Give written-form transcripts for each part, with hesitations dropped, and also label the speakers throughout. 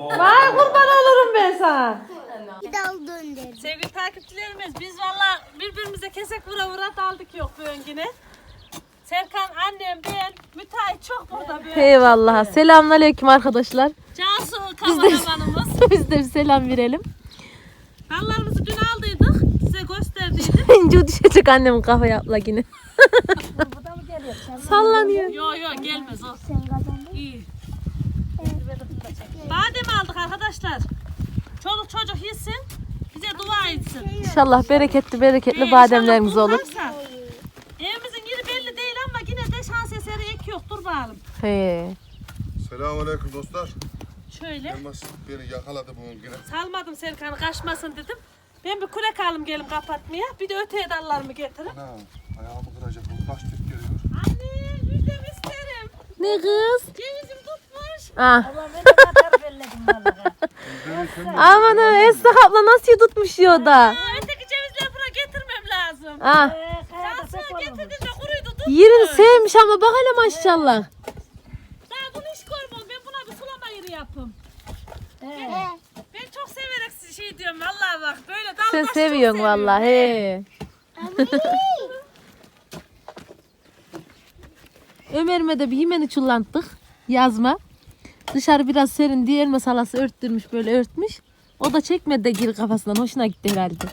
Speaker 1: Vay kurban olurum ben sana.
Speaker 2: Sevgili takipçilerimiz biz valla birbirimize kesek vura daldık yok bu öngüne. Serkan, annem, ben, müteahhit çok burada böyle.
Speaker 1: Eyvallah. Selamünaleyküm arkadaşlar.
Speaker 2: Cansu kameramanımız.
Speaker 1: Biz de bir selam verelim.
Speaker 2: Dallarımızı dün aldıydık. Size gösterdiydim.
Speaker 1: İnce düşecek annemin kafaya abla yine.
Speaker 3: Bu da mı geliyor?
Speaker 1: Sallanıyor.
Speaker 2: Yo gelmez o.
Speaker 3: Sen kazandın.
Speaker 2: İyi. Badem aldık arkadaşlar. Çoluk çocuk yesin. Bize dua etsin.
Speaker 1: İnşallah bereketli bademlerimiz
Speaker 2: İnşallah
Speaker 1: olur.
Speaker 2: bulursa. Evimizin yeri belli değil ama yine de şans eseri ek yok. Dur bakalım.
Speaker 1: He.
Speaker 4: Selamünaleyküm dostlar.
Speaker 2: Şöyle.
Speaker 4: Elmas beni yakaladı bugün yine.
Speaker 2: Salmadım Serkan'ı kaçmasın dedim. Ben bir kürek alayım gelin kapatmaya. Bir de öteye dallarımı getirin.
Speaker 4: Ana ayağımı kıracak bu kaç tip geliyor.
Speaker 2: Anne müjdemi isterim.
Speaker 1: Ne kız?
Speaker 2: Cevizim tutmuş.
Speaker 1: Ah.
Speaker 3: Allah beni de kadar belledim vallahi.
Speaker 1: Aman ha Esra abla nasıl tutmuş ya da.
Speaker 2: Öteki cevizleri buraya getirmem lazım.
Speaker 1: Ah.
Speaker 3: Kayada pek
Speaker 2: Cansu'ya
Speaker 3: olmuş.
Speaker 2: getirdim de kuruydu tutmuş.
Speaker 1: Yerini sevmiş ama bak hele maşallah.
Speaker 2: Daha bunu hiç görmem. Ben buna bir sulama yeri yapayım. Ben çok severek şey diyorum vallahi bak böyle dalgaç
Speaker 1: Sen
Speaker 2: çok
Speaker 1: seviyorsun
Speaker 2: seviyorum.
Speaker 1: vallahi. He. Ömer'ime de bir yemeni çullantık. Yazma. Dışarı biraz serin diye elma salası örttürmüş böyle örtmüş. O da çekmedi de geri kafasından. Hoşuna gitti herhalde.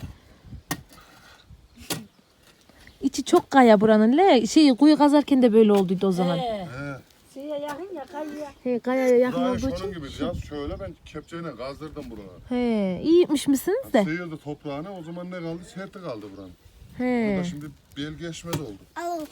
Speaker 1: İçi çok kaya buranın. Kuyu kazarken de böyle olduydu o zaman.
Speaker 4: He.
Speaker 3: Şeye yakın ya kayıya.
Speaker 1: He, kayaya yakın
Speaker 4: Burayı
Speaker 1: olduğu
Speaker 4: şunun
Speaker 1: için.
Speaker 4: gibi ya şöyle ben kepçeyle kazdırdım buraları.
Speaker 1: He, iyi yapmış mısınız de?
Speaker 4: Sıyırdı toprağını o zaman ne kaldı? Serti kaldı buranın.
Speaker 1: He.
Speaker 4: Burada şimdi bel geçmez oldu.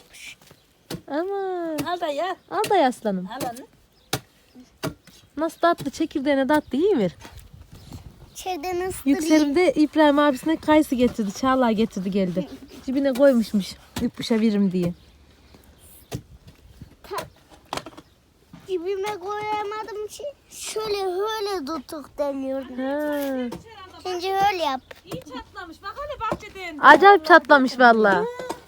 Speaker 1: Ama
Speaker 3: Al da ya.
Speaker 1: al da aslanım.
Speaker 3: Al onu.
Speaker 1: Nasıl tatlı çekirdeğine tatlı iyi ver.
Speaker 5: Şeyden ısıtırayım.
Speaker 1: Yükselimde İbrahim abisine kayısı getirdi. Çağla getirdi geldi. Cibine koymuşmuş. Yupuşa veririm diye.
Speaker 5: Dibime koyamadım ki. Şöyle tutuk deniyordum.
Speaker 1: Ha.
Speaker 5: Şimdi öyle yap.
Speaker 2: İyi çatlamış. Bak hele bahçeden.
Speaker 1: Acayip çatlamış vallahi.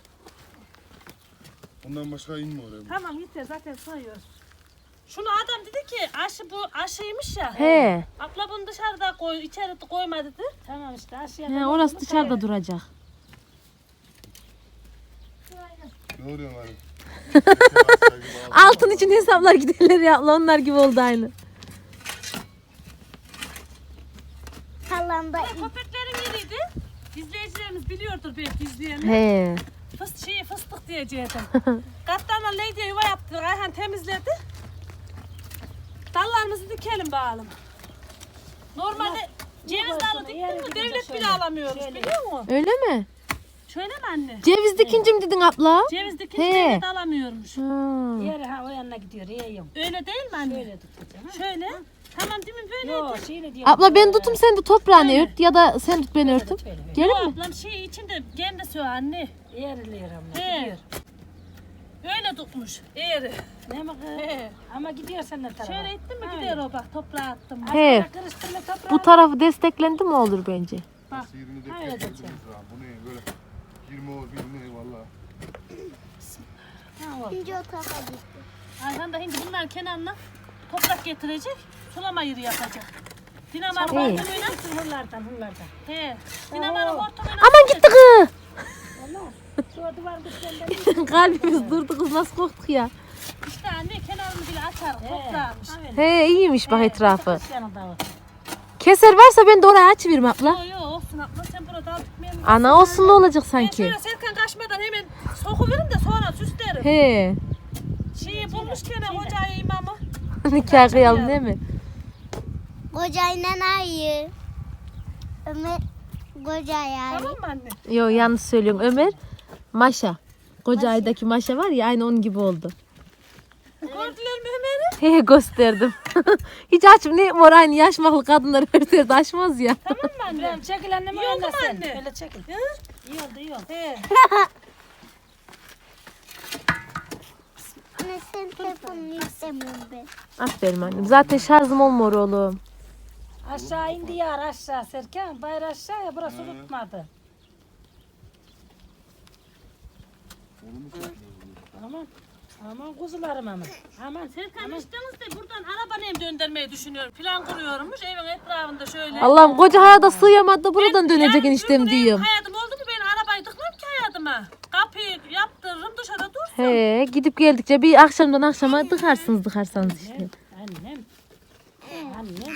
Speaker 4: Bundan başka inme oraya.
Speaker 2: Tamam yeter zaten sayıyor. Şunu adam dedi ki bu aşıymış ya.
Speaker 1: He.
Speaker 2: Abla bunu dışarıda koy, içeri koyma dedi.
Speaker 3: Tamam işte aşağıya.
Speaker 1: He, orası dışarıda duracak.
Speaker 4: Ne oluyor lan?
Speaker 1: Altın için hesaplar giderler ya. Onlar gibi oldu aynı.
Speaker 5: Halanda
Speaker 2: Köpeklerin yeriydi. İzleyicilerimiz biliyordur belki izleyenler.
Speaker 1: He.
Speaker 2: Fıstık diyecektim. Katlarla Lady'ye yuva yaptı. Ayhan temizledi. Dallarımızı dikelim bakalım. Normalde ceviz dalı diktin mi devlet bile alamıyoruz biliyor musun?
Speaker 1: Öyle mi?
Speaker 2: Şöyle mi anne?
Speaker 1: Ceviz dikince mi dedin abla?
Speaker 2: Ceviz dikince
Speaker 1: He.
Speaker 2: devlet alamıyormuş.
Speaker 1: Ha.
Speaker 3: Yere ha o yanına gidiyor. Yiyorum.
Speaker 2: Öyle değil mi anne?
Speaker 3: Böyle tutacağım. Ha?
Speaker 2: Şöyle. Tamam değil mi böyle?
Speaker 3: Yok şeyle diyorum.
Speaker 1: Abla ben tutum sen de toprağını ört ya da sen tut ben örtüm. Gelir mi?
Speaker 2: Ablam şey içinde kendi söyle anne.
Speaker 3: Yerliyor ama
Speaker 2: He.
Speaker 3: gidiyor.
Speaker 2: Öyle tutmuş. Eğri.
Speaker 3: Ne mi kız?
Speaker 2: He.
Speaker 3: Ama gidiyor senden tarafa.
Speaker 2: Şöyle ettin mi gider o bak toprağa attım.
Speaker 1: He.
Speaker 3: Karıştırma toprağı.
Speaker 1: Bu tarafı desteklendi mi olur bence.
Speaker 4: Sıyırını da
Speaker 3: Öyle
Speaker 4: kesmez
Speaker 3: diyeceğim.
Speaker 4: ha. Bu ne böyle 20 ol 20 valla.
Speaker 3: Ha, o.
Speaker 5: ikinci o tarafa gitti.
Speaker 2: Ayhan da şimdi bunların kenarına toprak getirecek. Sulama yeri yapacak. Dinamar'ın
Speaker 1: Hey.
Speaker 2: hortumuyla.
Speaker 3: Hırlardan.
Speaker 2: He. Dinamar'ın hortumuyla.
Speaker 1: Aman gitti kız.
Speaker 3: Şu duvar dışından.
Speaker 1: Kalbimiz durdu kız nasıl korktuk ya.
Speaker 2: İşte anne kenarını bile açar. Toprağmış.
Speaker 1: He iyiymiş bak etrafı.
Speaker 3: Yanında o.
Speaker 1: Keser varsa ben de oraya açıvereyim abla.
Speaker 2: Yo olsun abla sen burada al dikmeye mi?
Speaker 1: Ana olsun ne olacak
Speaker 2: Ben
Speaker 1: sanki.
Speaker 2: şöyle Serkan kaçmadan hemen sokuverim de sonra süslerim.
Speaker 1: He.
Speaker 2: Şeyi bulmuşken hocayı imamı.
Speaker 1: Nikah kıyalım değil mi?
Speaker 5: Kocayla ayı. Ömer kocaya
Speaker 2: Tamam mı anne?
Speaker 1: Yo yanlış söylüyorsun Ömer. Maşa. Koca aydaki Maşa var ya aynı onun gibi oldu.
Speaker 2: Gördüler mi Ömer'i?
Speaker 1: He gösterdim. Hiç açım ne mor aynı yaşmaklı kadınlar örterde açmaz ya.
Speaker 2: Tamam mı anne?
Speaker 3: İbrahim çekil annem o
Speaker 2: İyi oldu
Speaker 3: yanına
Speaker 2: mu
Speaker 3: sen.
Speaker 2: anne?
Speaker 3: Öyle çekil. İyi oldu iyi oldu.
Speaker 2: He.
Speaker 5: Anne sen telefonunu istemiyorum ben.
Speaker 1: Aferin annem. Zaten şarjım olmuyor oğlum.
Speaker 3: Aşağı indi yar aşağı Serkan. Bayır aşağıya burası tutmadı. Tamam. Aman kuzularım aman. Aman
Speaker 2: Serkan içtiniz de buradan araba neyim döndürmeyi düşünüyorum. Plan kuruyormuş evin etrafında şöyle.
Speaker 1: Allah'ım koca hayata sığamadı buradan dönecek eniştem
Speaker 2: ömrüm
Speaker 1: diyorum.
Speaker 2: Hayatım oldu mu ben arabayı tıkmam ki hayatıma. Kapıyı yaptırırım dışarıda dursun.
Speaker 1: He gidip geldikçe bir akşamdan akşama tıkarsanız işte.
Speaker 3: annem. Annem.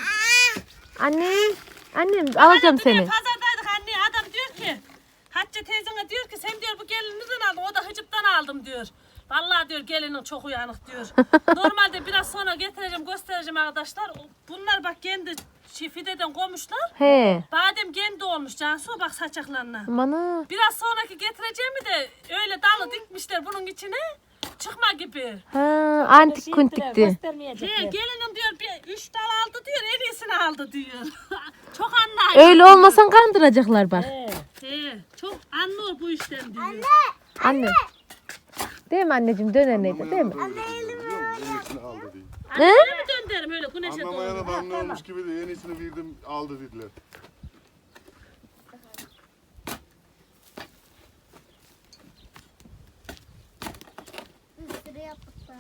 Speaker 1: Annem alacağım seni.
Speaker 2: Pazardaydık anne adam diyor ki Hatice teyzene diyor ki sen diyor bu gelini nereden aldın? O da Hıcıp'tan aldım diyor. Vallahi diyor gelinin çok uyanık diyor. Normalde biraz sonra getireceğim göstereceğim arkadaşlar. Bunlar bak kendi fideden koymuşlar.
Speaker 1: He.
Speaker 2: Badem kendi olmuş Cansu bak saçaklarına.
Speaker 1: Bana.
Speaker 2: Biraz sonraki getireceğimi de öyle dalı dikmişler bunun içine. Çıkma gibi.
Speaker 1: Ha, antik kuntikti.
Speaker 3: Göstermeyecekler.
Speaker 2: Gelinim diyor 3 dal aldı diyor en iyisini aldı diyor. Çok anlar.
Speaker 1: Öyle olmasan kandıracaklar bak.
Speaker 2: Çok anlıyor bu işten diyor.
Speaker 1: Anne. Değil mi anneciğim döneneydi değil mi?
Speaker 4: Yenisini aldı diye.
Speaker 1: Ne?
Speaker 2: Öyle mi döndürüm öyle güneşe
Speaker 4: Anlamaya
Speaker 2: doğru?
Speaker 4: da anlıyormuş gibi de yenisini verdim aldı dediler.
Speaker 5: Sırı yaptıklar.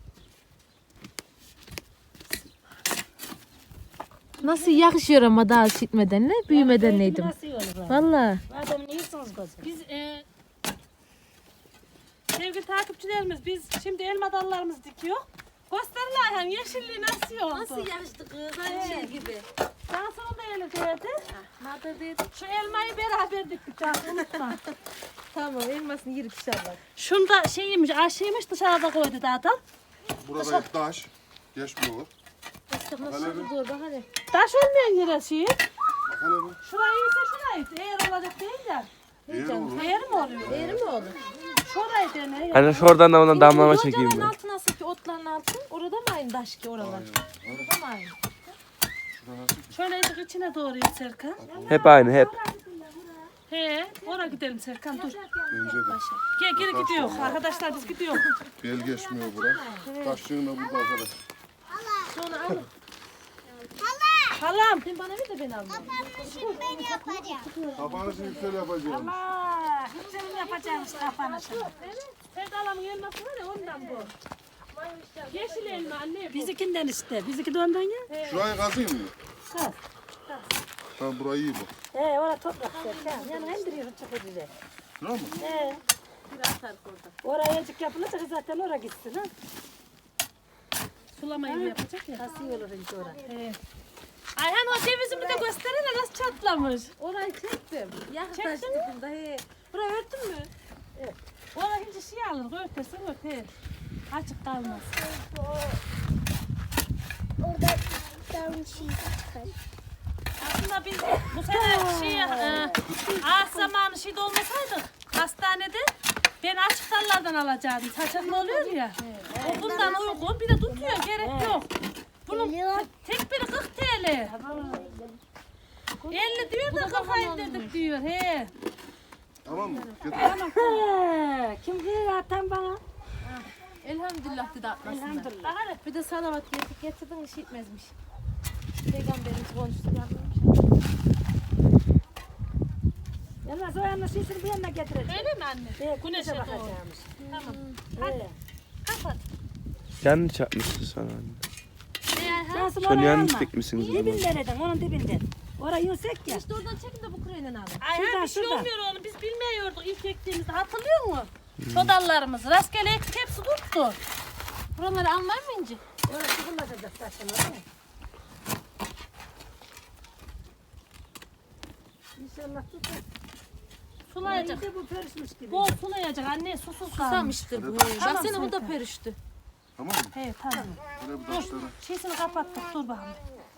Speaker 1: Nasıl yakışıyor ama daha şitmeden ne? Büyümeden neydim.
Speaker 3: Nasıl olur?
Speaker 1: Valla.
Speaker 3: Madem iyisiniz kızım.
Speaker 2: Biz sevgili takipçilerimiz biz şimdi elma dallarımızı dikiyor. Gösterirler yani yeşilliği nasıl oldu?
Speaker 1: Nasıl yakıştı kız? Aynı şey gibi.
Speaker 2: Cansu'nun da eli değdi.
Speaker 1: Nerede dedim?
Speaker 2: Şu elmayı beraber diktik Cansu unutma.
Speaker 1: Tamam elmasını yerik inşallah.
Speaker 2: Şunda şeymiş aşıymış dışarıda koydu da adam.
Speaker 4: Burada hep taş. Geçmiyor.
Speaker 1: Nasıl dur bak hadi.
Speaker 2: Taş olmayan yere şey.
Speaker 4: Bakalım.
Speaker 2: Şurayı ise şurayı. Eğer olacak değil de.
Speaker 4: Eğer olur.
Speaker 2: Eğer mi oluyor?
Speaker 1: Eğri mi olur?
Speaker 2: Şurayı dene.
Speaker 6: Hani şuradan da ona damlama çekeyim
Speaker 1: Locanın
Speaker 6: ben.
Speaker 1: altı nasıl ki otların altı? Orada mı aynı taş ki oralar? Orada mı aynı?
Speaker 4: Şurada nasıl ki?
Speaker 2: Şöyle ezik içine doğru git Serkan.
Speaker 6: Hep aynı hep.
Speaker 2: He, oraya gidelim Serkan dur.
Speaker 4: Bence de.
Speaker 2: Gel geri gidiyor. Arkadaşlar biz gidiyor.
Speaker 4: Bel geçmiyor bura. Taşçığın da burada arkadaş.
Speaker 1: Sonra al.
Speaker 2: Halam.
Speaker 1: Sen bana ver de ben alayım.
Speaker 5: Şimdi ben yapacağım.
Speaker 4: Kapanışı yüksel yapacağım.
Speaker 3: Aa, hepsini yapacağım işte kapanışı.
Speaker 2: Sevdalamın elması var ya ondan bu. Yeşil elma anne bu.
Speaker 3: Bizikinden işte. Biziki de ondan ya.
Speaker 4: Şurayı kazıyım mı?
Speaker 3: Ha.
Speaker 4: Tamam burayı iyi bu.
Speaker 3: Orada toprak serken. Yani indiriyorsun çıkıyor.
Speaker 4: Şura mı?
Speaker 3: Oraya azıcık yapılacak zaten oraya gitsin ha.
Speaker 2: Sulamayı mı yapacak ya?
Speaker 3: Nasıl olur ince oraya.
Speaker 2: Ayhan o cevizimi de gösterene nasıl çatlamış.
Speaker 1: Orayı çektim. Yakın taş
Speaker 2: Çektin
Speaker 1: dedim da he.
Speaker 2: Burayı örtün mü? Evet. Orada hiç şey alır. Örtersen örter. Açık kalmaz.
Speaker 5: Orada bir şey çıkar.
Speaker 2: Aslında biz bu sene ağaç zamanı şey olmasaydık hastanede ben açık dallardan alacaktım. Saçaklı oluyor ya. O bundan uygun bir de tutuyor gerek yok. Bunun tek biri 40 TL. 50 diyor da kafayı indirdik diyor. He.
Speaker 4: Tamam mı? Getir.
Speaker 3: Kim diyor atan bana?
Speaker 1: Elhamdülillah dedi atmasında.
Speaker 3: Elhamdülillah.
Speaker 1: Bir de salavat getirdin iş etmezmiş. Peygamberimiz konuştu yapmış.
Speaker 3: Yalnız o yanına sesini bir yanına getireceğim.
Speaker 2: Öyle mi anne? Güneşe doğru.
Speaker 3: bakacağımış.
Speaker 2: Tamam. Hadi kapat.
Speaker 6: Yanlış yapmışsın sana anne.
Speaker 3: Nasıl
Speaker 6: Sen
Speaker 3: oraya
Speaker 6: yanlış
Speaker 3: alma.
Speaker 6: dikmişsiniz o zaman.
Speaker 3: Dibinden onun dibinden. Orayı yüksek ya.
Speaker 1: İşte oradan çekin de bu küreğinden alın.
Speaker 2: Ayhan bir şey
Speaker 3: şuradan.
Speaker 2: olmuyor oğlum. Biz bilmiyorduk ilk ektiğimizde. Hatırlıyor musun? Şu dallarımızı. Rastgele ektik hepsi tuttu.
Speaker 1: Buraları almayayım mı inci?
Speaker 3: Orası kullanacak zaten oraya. İnşallah tutar.
Speaker 2: Sulayacak.
Speaker 3: İyice bu perişmiş gibi.
Speaker 2: Bol sulayacak anne susuz kalmış.
Speaker 1: Susamıştır bu. Baksana bu da perişti.
Speaker 4: Tamam mı?
Speaker 2: He tamam.
Speaker 4: Böyle bu taşları.
Speaker 2: Şeysini kapattık dur bakalım.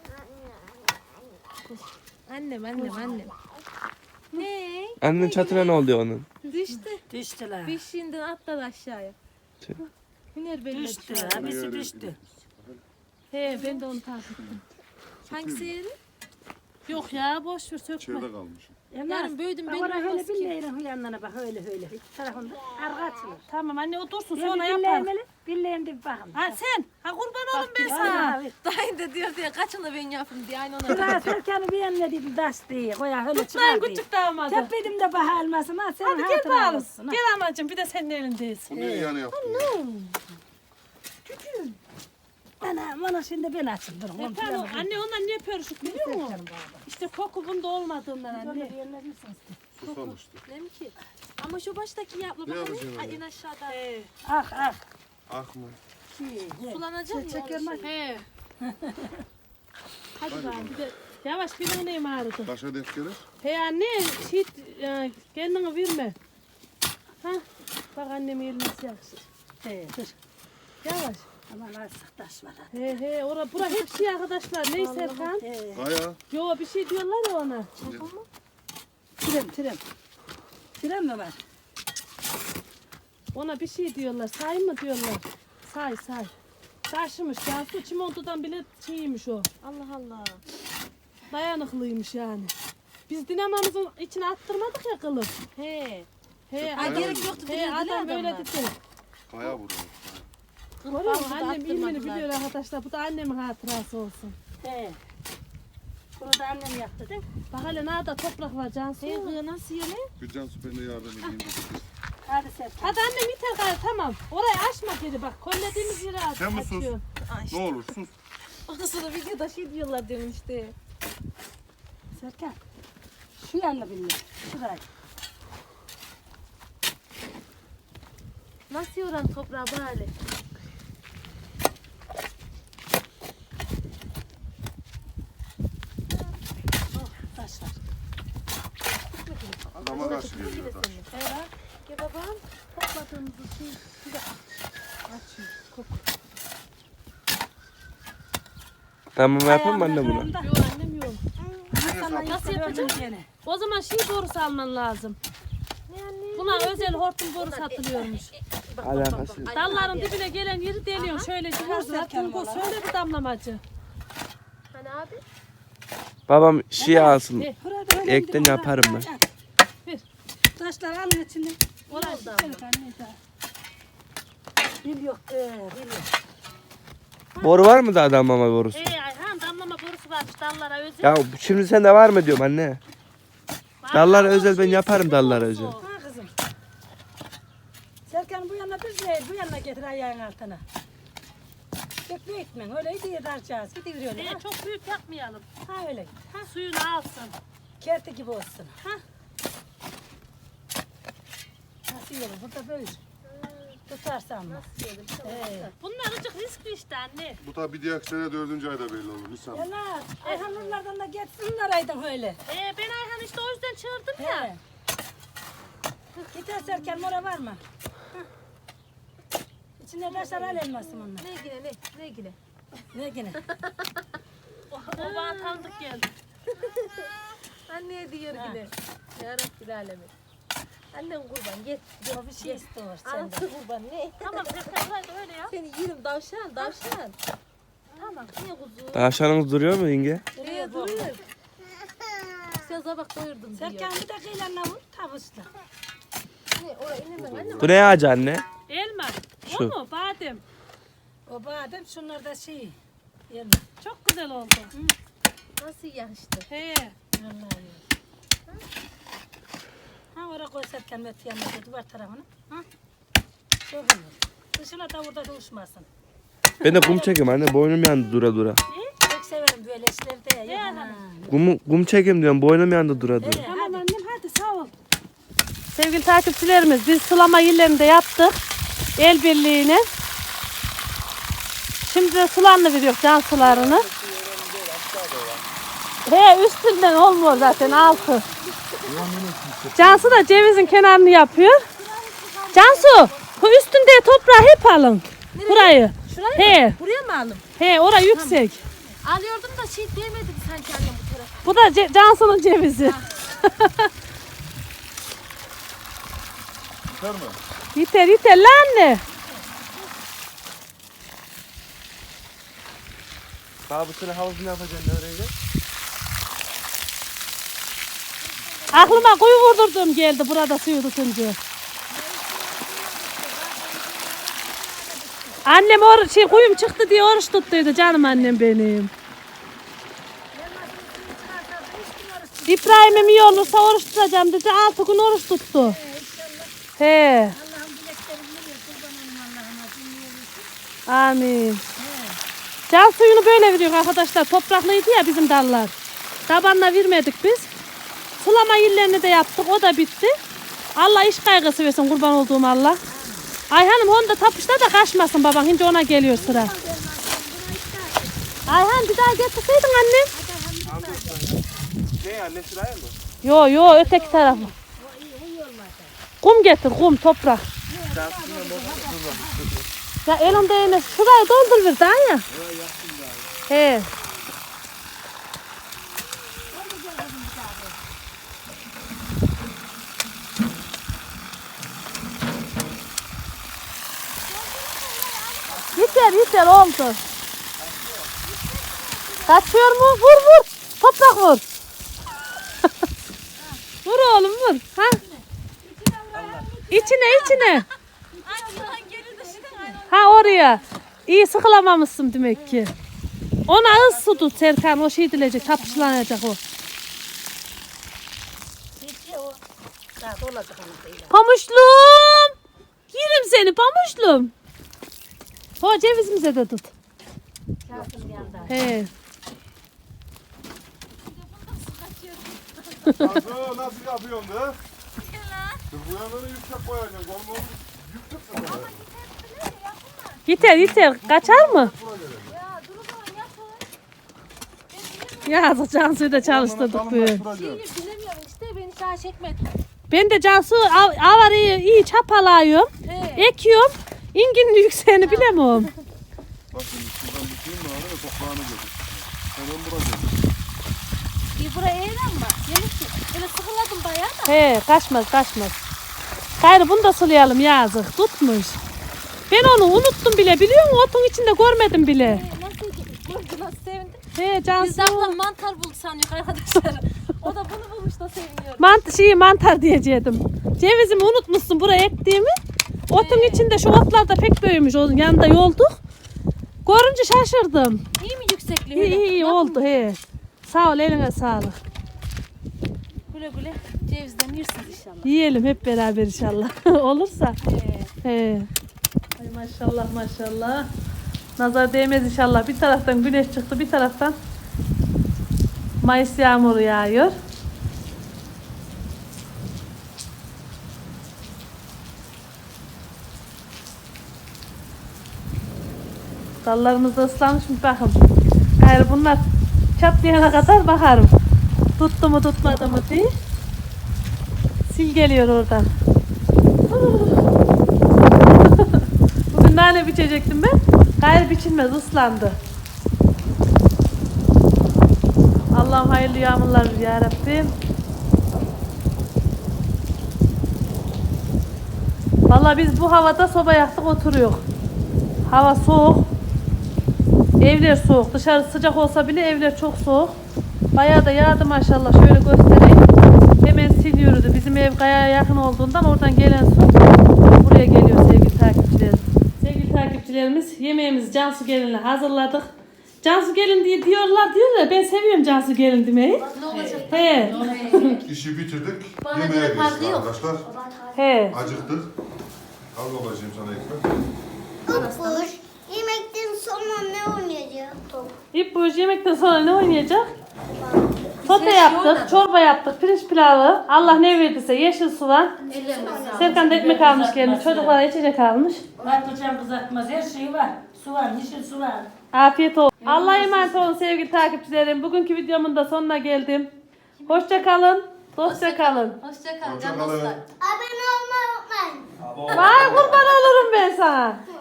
Speaker 1: Annem. Ne?
Speaker 6: Annenin çatına ne oldu onun?
Speaker 1: Düştü.
Speaker 3: Düştüler.
Speaker 1: Beşiğinden atladı aşağıya.
Speaker 6: Tüh.
Speaker 1: Hüner belli.
Speaker 3: Düştü. Abisi düştü.
Speaker 2: He ben de onu takip ettim.
Speaker 1: Hangisi yeri?
Speaker 2: Yok ya boş ver sökme.
Speaker 4: İçeride kalmış.
Speaker 1: Yarın büyüdüm
Speaker 3: Bak
Speaker 1: benim
Speaker 3: oraya öyle
Speaker 1: olmaz ki.
Speaker 3: billeğiyle yanlarına bak öyle. İki tarafında arka açılır.
Speaker 2: Tamam anne o dursun
Speaker 3: Sonra
Speaker 2: sonra yapar.
Speaker 3: Billeğim de bir bakın.
Speaker 2: Ha sen. Ha kurban olun ben sana.
Speaker 1: Dayın da diyor diye kaçını ben yapayım diye aynı ona.
Speaker 3: Şuraya Serkan'ı bir yanına dedim taş diye. Koya öyle
Speaker 2: Tutmayın
Speaker 3: çıkar diye.
Speaker 2: küçük damadı.
Speaker 3: Tepedim de bahar almasın ha. Senin
Speaker 2: Hadi gel
Speaker 3: hatırına
Speaker 2: bakalım.
Speaker 3: olsun, ha.
Speaker 2: Gel anacığım bir de senin elindeyiz.
Speaker 4: Bu niye yani yaptın?
Speaker 3: Bana şimdi ben açayım. Durun. onu
Speaker 2: Serkan,
Speaker 3: bilemem.
Speaker 2: anne ondan niye pörüşük biliyor musun?
Speaker 3: Serkan baba.
Speaker 2: İşte koku bunda olmadığından
Speaker 3: Böyle
Speaker 2: anne.
Speaker 3: bir yerine bilsiniz.
Speaker 4: Susam işte.
Speaker 1: Ne mi ki? Ama şu baştaki yapma
Speaker 4: Ne
Speaker 1: bakalım.
Speaker 4: yapacaksın
Speaker 1: Ay,
Speaker 4: öyle?
Speaker 1: en aşağıda.
Speaker 3: Ah ah.
Speaker 4: Ah mı?
Speaker 1: Sulanacak ya.
Speaker 3: Çeker mi?
Speaker 2: He. Hadi bakalım bir de yavaş bir neyim ağrıdı.
Speaker 4: Kaşa denk gelir.
Speaker 2: He anne shit kendini verme. Ha bak annem elini yakışır.
Speaker 3: He.
Speaker 2: Dur. Yavaş.
Speaker 3: Aman artık taş var.
Speaker 2: He bura hep şey arkadaşlar. Ney Serkan?
Speaker 3: He.
Speaker 4: Kaya.
Speaker 2: Yo bir şey diyorlar ya ona.
Speaker 3: Tren. Tren mi var?
Speaker 2: Ona bir şey diyorlar. Say mı diyorlar? Say. Taşımış. Cansu çimentodan bile şeymiş o.
Speaker 1: Allah Allah.
Speaker 2: Dayanıklıymış yani. Biz dinamamızın içine attırmadık ya kılıf.
Speaker 1: He.
Speaker 2: He,
Speaker 4: Kaya
Speaker 1: gerek
Speaker 4: mı?
Speaker 1: yoktu.
Speaker 2: He adam böyle
Speaker 1: adamlar.
Speaker 2: dedi.
Speaker 4: Kaya burada.
Speaker 2: Görüyor musun? Annem ilmini biliyor arkadaşlar. Bu da annemin hatırası olsun.
Speaker 3: He. Bunu da annem yaptı değil mi?
Speaker 2: Bak hele nerede toprak var Cansu.
Speaker 1: He kız nasıl yeme?
Speaker 4: Bir Cansu ben de yardım edeyim.
Speaker 3: Hadi Serkan.
Speaker 2: Hadi annem yeter gayrı tamam. Orayı açma geri bak. Kollediğimiz yeri aç.
Speaker 4: Sen mi sus?
Speaker 2: açıyorsun.
Speaker 4: Ne olur sus.
Speaker 1: Ondan sonra videoda şey diyorlar diyorum işte.
Speaker 3: Serkan. Şu yanını bilmiyorum. Şurayı.
Speaker 1: Nasıl yoran toprağı böyle?
Speaker 3: Taşlar.
Speaker 4: Adama karşı geliyor taş.
Speaker 1: Gel babam. Topladığımızı şey bir de
Speaker 6: Tamam yapalım mı anne bunu?
Speaker 2: Yok annem yok.
Speaker 3: Nasıl yapacağım gene?
Speaker 2: O zaman şey borusu alman lazım. Buna özel hortum boru satılıyormuş.
Speaker 6: Alakası yok.
Speaker 2: Dalların dibine gelen yeri deliyorsun. Şöyle vurdular. Tungur söyle bir damlamacı.
Speaker 1: Hani abi?
Speaker 6: Babam şey alsın.
Speaker 2: He.
Speaker 3: Burada öyle
Speaker 6: Ekten
Speaker 3: bir de
Speaker 6: yaparım
Speaker 3: burada.
Speaker 2: Ver.
Speaker 3: Taşlar alın içinde.
Speaker 2: Orası
Speaker 3: Serkan neyse. Bil yok. Bil yok.
Speaker 6: Boru var mı da damlama borusu?
Speaker 2: Ayhan damlama borusu varmış dallara özel.
Speaker 6: Ya şimdi sende var mı diyorum anne. Dallara özel ben yaparım dallara özel.
Speaker 3: Ha kızım. Serkan bu yana bir değil, bu yana getir ayağın altına. Çok büyütmen, öyle diye daracağız. Gidiyor öyle. Ha?
Speaker 2: Çok büyük yapmayalım.
Speaker 3: Ha öyle.
Speaker 2: Ha, suyunu alsın.
Speaker 3: Kerti gibi olsun. Ha? Nasıl yiyelim? Burada böyle. Tutarsan mı?
Speaker 2: Bunlar azıcık riskli işte anne.
Speaker 4: Bu tabi bir diğer sene 4. ayda belli olur. Nisan.
Speaker 3: Ya ne? Ayhanlardan da geçsinler aydın öyle.
Speaker 2: Ben Ayhan işte o yüzden çağırdım ya.
Speaker 3: He. Gitar Serkan mora var mı? İçinde taşlar al elmasım onlar.
Speaker 1: Ne yine ne yine?
Speaker 3: Ne gene?
Speaker 2: O bana tanıdık geldi.
Speaker 1: Anneye diyor yine. Ya Rabbil alemin. Annen kurban git.
Speaker 3: O bir şey istiyor senden.
Speaker 1: Anası kurban ne?
Speaker 2: Tamam Serkan hadi öyle ya.
Speaker 1: Seni yerim davşan. Tamam. Niye kuzu?
Speaker 6: Tavşanınız duruyor mu yenge?
Speaker 1: Nereye duruyor? Sen sabah doyurdum diyor.
Speaker 3: Serkan bir de kıyılarına vur, tavusla.
Speaker 1: Ne oraya inemem anne.
Speaker 6: Bu ne ağacı anne?
Speaker 2: Elma. O
Speaker 6: Şu.
Speaker 2: mu? Badem.
Speaker 3: O badem şunlar da şey. Yerine.
Speaker 2: Çok güzel oldu.
Speaker 1: Nasıl yakıştı?
Speaker 2: He.
Speaker 3: Vallahi. Ha oraya koy Serkan Mete yanına duvar tarafına. Ha? Çok iyi. Dışına da burada uçmasın.
Speaker 6: Ben de kum çekeyim anne boynum yandı dura dura.
Speaker 3: Çok severim böyle işlerde. Ya.
Speaker 6: Kum çekeyim diyorum boynum yandı dura dura.
Speaker 3: Evet,
Speaker 2: Tamam annem hadi sağ ol. Sevgili takipçilerimiz biz sulama yerlerinde yaptık. El birliğine. Şimdi de sularını veriyor can sularını. He üstünden olmuyor zaten altı. Cansu da cevizin kenarını yapıyor. Cansu bu üstünde toprağı hep alın. Burayı.
Speaker 1: Şurayı
Speaker 2: He.
Speaker 1: mı? Buraya mı aldım?
Speaker 2: He ora yüksek.
Speaker 1: Alıyordum da şey diyemedim sanki annem bu tarafa.
Speaker 2: Bu da Cansu'nun cevizi.
Speaker 4: Yeter mi?
Speaker 2: Yeter lan anne.
Speaker 6: Baba bu sene havuzunu yapacaksın nereye gel?
Speaker 2: Aklıma kuyu vurdurdum geldi burada suyu tutunca. Annem kuyum çıktı diye oruç tuttuydu canım annem benim. İbrahim'im iyi olursa oruç tutacağım dedi. 6 gün oruç tuttu. He. Amin. Can suyunu böyle veriyor arkadaşlar. Topraklıydı ya bizim dallar. Tabanla vermedik biz. Sulama yerlerini de yaptık. O da bitti. Allah iş kaygısı versin kurban olduğum Allah. Ayhan'ım onu da tapışta da kaçmasın baban. Şimdi ona geliyor sıra. Ayhan bir daha getirseydin annem.
Speaker 6: Ne anne sıraya mı?
Speaker 2: Yo yo öteki tarafı. Kum getir kum toprak. Ya elimde yine şurayı doldur bir daha ya. He. Yeter oldu. Kaçıyor mu? Vur. Toprak vur. Vur oğlum vur. Ha? İçine. Ha oraya. İyi sıkılamamışsın demek ki. Ona az su tut Serkan. O şey dilecek. Tapışlanacak o. Pamuşlum. Yerim seni pamuşlum. O cevizimize de tut. He.
Speaker 4: Nasıl yapıyorsun be? Bu yanları yüksek koyacaksın. Olmalı.
Speaker 2: Yeter. Kaçar mı? Ya Cansu'yu da çalıştırdık böyle.
Speaker 1: Bilemiyorum işte beni sağa çekmedi.
Speaker 2: Ben de Cansu avarayı iyi çapalayıyorum. Ekiyorum. İnginin yükseğini bilemiyorum.
Speaker 4: Bak şimdi şuradan biteyim mi abi? Toprağını götür. Hemen buraya.
Speaker 1: Bir buraya eğlen mi? Gelirsin. Böyle sıkıladım bayağı da.
Speaker 2: He kaçmaz. Gayrı bunu da sulayalım yazık. Tutmuş. Ben onu unuttum bile biliyor musun? Otun içinde görmedim bile.
Speaker 1: Nasıl sevindim.
Speaker 2: He
Speaker 1: Biz
Speaker 2: Cansu.
Speaker 1: de ablam mantar buldu sanıyor arkadaşlar. O da bunu bulmuş da seviniyor.
Speaker 2: Mantar diyecektim. Cevizimi unutmuşsun buraya ektiğimi. Otun içinde şu otlar da pek büyümüş. Onun yanında yolduk. Görünce şaşırdım.
Speaker 1: İyi mi yüksekliği?
Speaker 2: İyi oldu he. Sağ ol eline sağlık.
Speaker 1: Güle cevizden yirsiniz inşallah.
Speaker 2: Yiyelim hep beraber inşallah. Olursa. He. Ay maşallah. Nazar değmez inşallah. Bir taraftan güneş çıktı, bir taraftan Mayıs yağmuru yağıyor. Dallarımız da ıslanmış mı bakın. Gayrı bunlar çatlayana kadar bakarım. Tuttu mu tutmadı mı diye. Sil geliyor oradan. Bugün nane biçecektim ben. Gayrı biçilmez ıslandı. Allah'ım hayırlı yağmurlar ver ya Rabbim. Vallahi biz bu havada soba yaktık oturuyoruz. Hava soğuk. Evler soğuk. Dışarı sıcak olsa bile evler çok soğuk. Bayağı da yağdı maşallah. Şöyle göstereyim. Hemen siliyordu. Bizim ev kayaya yakın olduğundan oradan gelen su buraya geliyor sevgili takipçilerim. Sevgili takipçilerimiz yemeğimizi Cansu Gelin'le hazırladık. Cansu Gelin diye diyorlar ya ben seviyorum Cansu Gelin demeyi.
Speaker 1: Ne olacak?
Speaker 2: He.
Speaker 4: İşi bitirdik.
Speaker 1: Bana
Speaker 4: Yemeğe
Speaker 1: göre farkı
Speaker 4: geçtik
Speaker 1: yok.
Speaker 4: arkadaşlar.
Speaker 2: He.
Speaker 4: Acıktık. Al babacığım sana ekmek.
Speaker 5: Kupur. Yemekten sonra ne oynayacağız? Top.
Speaker 2: İp yemekten sonra ne oynayacak? Sote yaptık, çorba yaptık, pirinç pilavı. Allah ne verdiyse yeşil soğan. Serkan da ekmek almış kendine. Çocuklara içecek almış.
Speaker 3: Patlıcan kızartmaz her şey var. Su var, yeşil su var.
Speaker 2: Afiyet olsun. Allah'a emanet olun sevgili takipçilerim. Bugünkü videomun da sonuna geldim. Hoşça kalın, dostça kalın.
Speaker 1: Hoşça kalın.
Speaker 4: Hoşça kalın.
Speaker 5: Abone olmayı unutmayın.
Speaker 2: Vay kurban olurum ben sana.